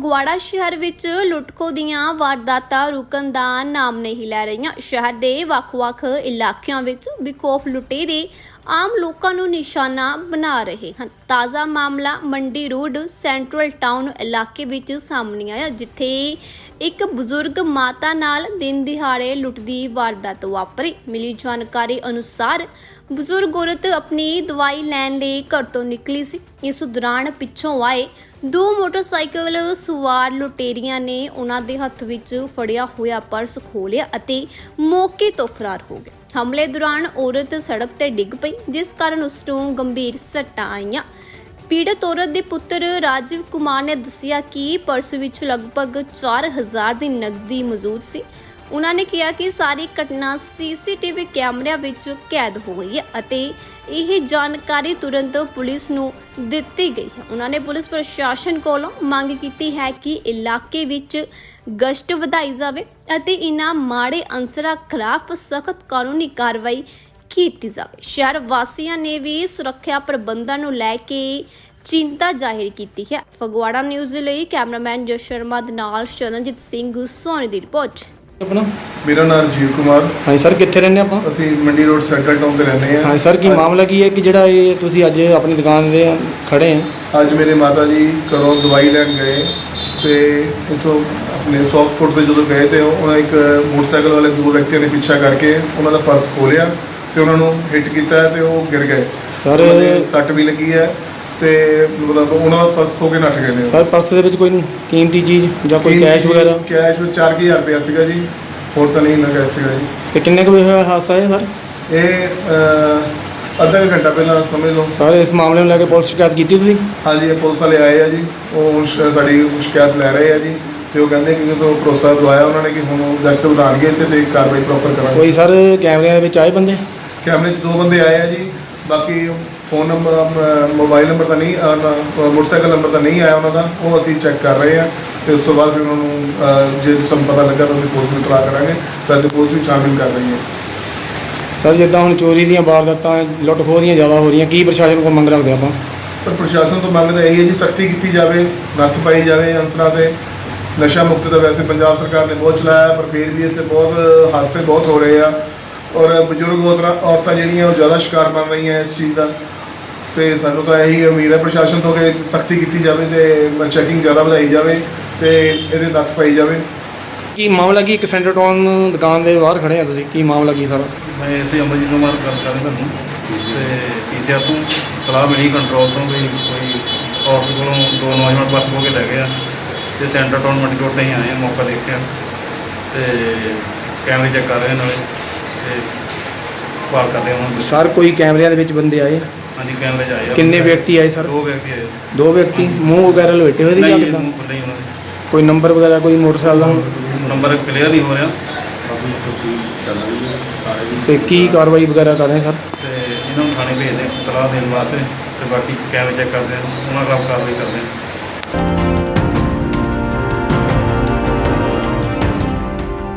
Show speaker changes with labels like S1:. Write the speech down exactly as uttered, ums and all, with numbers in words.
S1: ਫਗਵਾੜਾ ਸ਼ਹਿਰ ਵਿੱਚ ਲੁੱਟਖੋ ਦੀਆਂ ਵਾਰਦਾਤਾਂ ਰੁਕਣ ਦਾ ਨਾਮ ਨਹੀਂ ਲੈ ਰਹੀਆਂ। ਸ਼ਹਿਰ ਦੇ ਵੱਖ-ਵੱਖ ਇਲਾਕਿਆਂ ਵਿੱਚ ਬੇਖੌਫ ਲੁਟੇਰੇ ਆਮ ਲੋਕਾਂ ਨੂੰ ਨਿਸ਼ਾਨਾ ਬਣਾ ਰਹੇ ਹਨ। ਤਾਜ਼ਾ ਮਾਮਲਾ ਮੰਡੀ ਰੋਡ ਸੈਂਟਰਲ ਟਾਊਨ ਇਲਾਕੇ ਵਿੱਚ ਸਾਹਮਣੇ ਆਇਆ, ਜਿੱਥੇ ਇੱਕ ਬਜ਼ੁਰਗ ਮਾਤਾ ਨਾਲ ਦਿਨ ਦਿਹਾੜੇ ਲੁੱਟ ਦੀ ਵਾਰਦਾਤ ਵਾਪਰੀ। ਮਿਲੀ ਜਾਣਕਾਰੀ ਅਨੁਸਾਰ ਬਜ਼ੁਰਗ ਔਰਤ ਆਪਣੀ ਦਵਾਈ ਲੈਣ ਲਈ ਘਰ ਤੋਂ ਨਿਕਲੀ ਸੀ। ਇਸ ਦੌਰਾਨ ਪਿੱਛੋਂ ਆਏ ਦੋ ਮੋਟਰਸਾਈਕਲ ਸਵਾਰ ਲੁਟੇਰੀਆਂ ਨੇ ਉਹਨਾਂ ਦੇ ਹੱਥ ਵਿੱਚ ਫੜਿਆ ਹੋਇਆ ਪਰਸ ਖੋਹ ਲਿਆ ਅਤੇ ਮੌਕੇ ਤੋਂ ਫਰਾਰ ਹੋ ਗਏ। ਹਮਲੇ ਦੌਰਾਨ ਔਰਤ ਸੜਕ ਤੇ ਡਿੱਗ ਪਈ, ਜਿਸ ਕਾਰਨ ਉਸ ਨੂੰ ਗੰਭੀਰ ਸੱਟਾਂ ਆਈਆਂ। ਪੀੜਤ ਔਰਤ ਦੇ ਪੁੱਤਰ ਰਾਜੀਵ ਕੁਮਾਰ ਨੇ ਦੱਸਿਆ ਕਿ ਪਰਸ ਵਿੱਚ ਲਗਭਗ ਚਾਰ ਹਜ਼ਾਰ ਦੀ ਨਕਦੀ ਮੌਜੂਦ ਸੀ। ਉਹਨਾਂ ਨੇ ਕਿਹਾ ਕਿ ਸਾਰੀ ਘਟਨਾ ਸੀਸੀਟੀਵੀ ਕੈਮਰਿਆਂ ਵਿੱਚ ਕੈਦ ਹੋ ਗਈ ਹੈ ਅਤੇ ਇਹ ਜਾਣਕਾਰੀ ਤੁਰੰਤ ਪੁਲਿਸ ਨੂੰ ਦਿੱਤੀ ਗਈ ਹੈ। ਉਹਨਾਂ ਨੇ ਪੁਲਿਸ ਪ੍ਰਸ਼ਾਸਨ ਕੋਲੋਂ ਮੰਗ ਕੀਤੀ ਹੈ ਕਿ ਇਲਾਕੇ ਵਿੱਚ ਗਸ਼ਤ ਵਧਾਈ ਜਾਵੇ ਅਤੇ ਇਨ੍ਹਾਂ ਮਾੜੇ ਅਨਸਰਾਂ ਖਿਲਾਫ ਸਖਤ ਕਾਨੂੰਨੀ ਕਾਰਵਾਈ ਕੀਤੀ ਜਾਵੇ। ਸ਼ਹਿਰ ਵਾਸੀਆਂ ਨੇ ਵੀ ਸੁਰੱਖਿਆ ਪ੍ਰਬੰਧਾਂ ਨੂੰ ਲੈ ਕੇ ਚਿੰਤਾ ਜ਼ਾਹਿਰ ਕੀਤੀ ਹੈ। ਫਗਵਾੜਾ ਨਿਊਜ਼ ਲਈ ਕੈਮਰਾਮੈਨ ਜਸ ਸ਼ਰਮਾ ਦੇ ਨਾਲ ਸ਼ਰਨਜੀਤ ਸਿੰਘ ਸੋਨੀ ਦੀ ਰਿਪੋਰਟ।
S2: अपना
S3: मेरा नाम राजीव कुमार।
S2: हाँ सर, कितने रहने आप?
S3: ਅਸੀਂ ਮੰਡੀ ਰੋਡ ਸੈਂਟਰਲ ਟਾਊਨ ਤੇ ਰਹਿੰਦੇ ਹਾਂ।
S2: हाँ सर, की मामला की है कि ਜਿਹੜਾ ਇਹ ਤੁਸੀਂ ਅੱਜ ਆਪਣੀ ਦੁਕਾਨ ਦੇ ਖੜੇ ਆ?
S3: ਅੱਜ ਮੇਰੇ ਮਾਤਾ ਜੀ ਘਰੋਂ ਦਵਾਈ ਲੈਣ ਗਏ ਤੇ ਉੱਥੋਂ ਆਪਣੇ ਸੌਫਟ ਫੂਡ ਤੇ ਜਦੋਂ ਗਏ ਤੇ ਉਹਨਾਂ ਇੱਕ ਮੋਟਰਸਾਈਕਲ ਵਾਲੇ ਦੋ ਵਿਅਕਤੀਆਂ ਨੇ ਪਿੱਛਾ ਕਰਕੇ ਉਹਨਾਂ ਦਾ ਪਰਸ ਖੋਲਿਆ ਤੇ ਉਹਨਾਂ ਨੂੰ ਹਿੱਟ ਕੀਤਾ ਤੇ ਉਹ ਗਿਰ ਗਏ।
S2: ਸਰ
S3: ਸੱਟ ਵੀ ਲੱਗੀ ਹੈ ਤੇ ਮਤਲਬ ਉਹਨਾਂ ਦਾ ਪਰਸ ਖੋ ਕੇ ਨੱਠ ਗਏ ਨੇ।
S2: ਸਰ ਪਰਸ ਦੇ ਵਿੱਚ ਕੋਈ ਕੀਮਤੀ ਚੀਜ਼ ਜਾਂ ਕੋਈ ਕੈਸ਼ ਵਗੈਰਾ?
S3: ਕੈਸ਼ ਵਿੱਚ ਚਾਰ ਹਜ਼ਾਰ ਰੁਪਇਆ ਸੀਗਾ ਜੀ, ਹੋਰ ਤਾਂ ਨਹੀਂ ਨਾ ਕੈਸ਼ ਸੀਗਾ ਜੀ।
S2: ਤੇ ਕਿੰਨੇ ਕੁ ਵਜੇ ਹੋਇਆ ਹਾਦਸਾ ਹੈ ਸਰ?
S3: ਇਹ ਅੱਧਾ ਕੁ ਘੰਟਾ ਪਹਿਲਾਂ ਸਮਝ ਲਓ।
S2: ਸਰ ਇਸ ਮਾਮਲੇ ਨੂੰ ਲੈ ਕੇ ਪੁਲਿਸ ਸ਼ਿਕਾਇਤ ਕੀਤੀ ਤੁਸੀਂ?
S3: ਹਾਂਜੀ, ਇਹ ਪੁਲਿਸ ਵਾਲੇ ਆਏ ਆ ਜੀ, ਉਹ ਸਾਡੀ ਸ਼ਿਕਾਇਤ ਲੈ ਰਹੇ ਆ ਜੀ ਤੇ ਉਹ ਕਹਿੰਦੇ ਕਿ ਜਦੋਂ ਭਰੋਸਾ ਦਵਾਇਆ ਉਹਨਾਂ ਨੇ ਕਿ ਹੁਣ ਗਸ਼ਤ ਵਧਾਉਣਗੇ ਤੇ ਤੇ ਕਾਰਵਾਈ ਪ੍ਰੋਪਰ ਕਰਾਂਗੇ।
S2: ਕੋਈ ਸਰ ਕੈਮਰਿਆਂ ਦੇ ਵਿੱਚ ਆਏ ਬੰਦੇ?
S3: ਕੈਮਰੇ 'ਚ ਦੋ ਬੰਦੇ ਆਏ ਆ ਜੀ, ਬਾਕੀ ਫੋਨ ਨੰਬਰ ਮੋਬਾਈਲ ਨੰਬਰ ਤਾਂ ਨਹੀਂ, ਮੋਟਰਸਾਈਕਲ ਨੰਬਰ ਤਾਂ ਨਹੀਂ ਆਇਆ ਉਹਨਾਂ ਦਾ, ਉਹ ਅਸੀਂ ਚੈੱਕ ਕਰ ਰਹੇ ਹਾਂ ਤੇ ਉਸ ਤੋਂ ਬਾਅਦ ਫਿਰ ਉਹਨਾਂ ਨੂੰ ਜੇ ਸਾਨੂੰ ਪਤਾ ਲੱਗਾ ਤਾਂ ਅਸੀਂ ਪੁਲਿਸ ਨੂੰ ਇਤਲਾਹ ਕਰਾਂਗੇ। ਵੈਸੇ ਪੁਲਿਸ ਵੀ ਛਾਣਬੀਨ ਕਰ ਰਹੀ ਹੈ।
S2: ਸਰ ਜਿੱਦਾਂ ਹੁਣ ਚੋਰੀ ਦੀਆਂ ਵਾਰਦਾਤਾਂ ਲੁੱਟ ਖੋਹ ਦੀਆਂ ਜ਼ਿਆਦਾ ਹੋ ਰਹੀਆਂ, ਕੀ ਪ੍ਰਸ਼ਾਸਨ ਕੋਲ ਮੰਗ ਰੱਖਦੇ ਆਪਾਂ?
S3: ਸਰ ਪ੍ਰਸ਼ਾਸਨ ਤੋਂ ਮੰਗ ਤਾਂ ਇਹੀ ਹੈ ਜੀ, ਸਖਤੀ ਕੀਤੀ ਜਾਵੇ, ਨੱਥ ਪਾਈ ਜਾਵੇ ਅਨਸਰਾਂ 'ਤੇ। ਨਸ਼ਾ ਮੁਕਤ ਤਾਂ ਵੈਸੇ ਪੰਜਾਬ ਸਰਕਾਰ ਨੇ ਬਹੁਤ ਚਲਾਇਆ, ਪਰ ਫਿਰ ਵੀ ਇੱਥੇ ਬਹੁਤ ਹਾਦਸੇ ਬਹੁਤ ਹੋ ਰਹੇ ਆ ਔਰ ਬਜ਼ੁਰਗ ਔਰਤਾਂ ਔਰਤਾਂ ਜਿਹੜੀਆਂ ਉਹ ਜ਼ਿਆਦਾ ਸ਼ਿਕਾਰ ਬਣ ਰਹੀਆਂ ਇਸ ਚੀਜ਼ ਦਾ। ਤੇ ਸਾਨੂੰ ਤਾਂ ਇਹੀ ਉਮੀਦ ਹੈ ਪ੍ਰਸ਼ਾਸਨ ਤੋਂ ਕਿ ਸਖਤੀ ਕੀਤੀ ਜਾਵੇ ਤੇ ਚੈਕਿੰਗ ਜ਼ਿਆਦਾ ਵਧਾਈ ਜਾਵੇ ਤੇ ਇਹਦੇ ਨੱਥ ਪਾਈ ਜਾਵੇ।
S2: ਕੀ ਮਾਮਲਾ ਕੀ? ਇੱਕ ਸੈਂਟਰ ਟਾਊਨ ਦੁਕਾਨ ਦੇ ਬਾਹਰ ਖੜੇ ਆ ਤੁਸੀਂ, ਕੀ ਮਾਮਲਾ ਕੀ ਸਰ?
S4: ਮੈਂ ਇਸੇ ਅਮਰਜੀਤ ਕੁਮਾਰ ਗੱਲ ਕਰ ਰਿਹਾ ਤੁਹਾਨੂੰ ਤੇ ਪੀਸੀਆਰ ਤੋਂ ਸਲਾਹ ਮਿਲੀ ਕੰਟਰੋਲ ਤੋਂ ਵੀ ਕੋਈ ਔਰਤ ਕੋਲੋਂ ਦੋ ਨੌਜਵਾਨ ਪਰਸ ਖੋਹ ਕੇ ਲੈ ਗਏ ਆ ਤੇ ਸੈਂਟਰ ਟਾਊਨ ਮੰਡੀ ਰੋਡ 'ਤੇ ਹੀ ਆਏ ਆ। ਮੌਕਾ ਦੇਖਿਆ ਤੇ ਕੈਮਰੇ ਚੈੱਕ ਕਰ ਰਹੇ ਨਾਲੇ ਤੇ ਭਾਲ ਕਰਦੇ ਉਹਨਾਂ ਨੂੰ।
S2: ਸਰ ਕੋਈ ਕੈਮਰਿਆਂ ਦੇ ਵਿੱਚ ਬੰਦੇ ਆਏ?
S4: ਹਾਂਜੀ, ਕੈਮਰੇ 'ਚ ਆਏ ਆ।
S2: ਕਿੰਨੇ ਵਿਅਕਤੀ ਆਏ ਸਰ?
S4: ਦੋ ਵਿਅਕਤੀ ਆਏ।
S2: ਦੋ ਵਿਅਕਤੀ ਮੂੰਹ ਵਗੈਰਾ ਲਪੇਟੇ ਹੋਏ ਸੀ ਜਾਂ
S4: ਨਹੀਂ,
S2: ਕਿੱਦਾਂ?
S4: ਮੂੰਹ ਖੁੱਲ੍ਹੇ ਹੀ ਉਹਨਾਂ ਦੇ।
S2: ਕੋਈ ਨੰਬਰ ਵਗੈਰਾ ਕੋਈ ਮੋਟਰਸਾਈਕਲ ਦਾ?
S4: ਨੰਬਰ ਕਲੀਅਰ ਨਹੀਂ ਹੋ ਰਿਹਾ
S2: ਤੇ ਕੀ ਕਾਰਵਾਈ ਵਗੈਰਾ ਕਰ ਰਹੇ ਸਰ?
S4: ਤੇ ਇਹਨਾਂ ਨੂੰ ਥਾਣੇ ਭੇਜਦੇ ਸਲਾਹ ਦੇਣ ਵਾਸਤੇ ਤੇ ਬਾਕੀ ਕੈਮਰੇ ਚੈੱਕ ਕਰਦੇ ਆ, ਉਹਨਾਂ ਖਿਲਾਫ ਕਾਰਵਾਈ ਕਰਦੇ ਆ।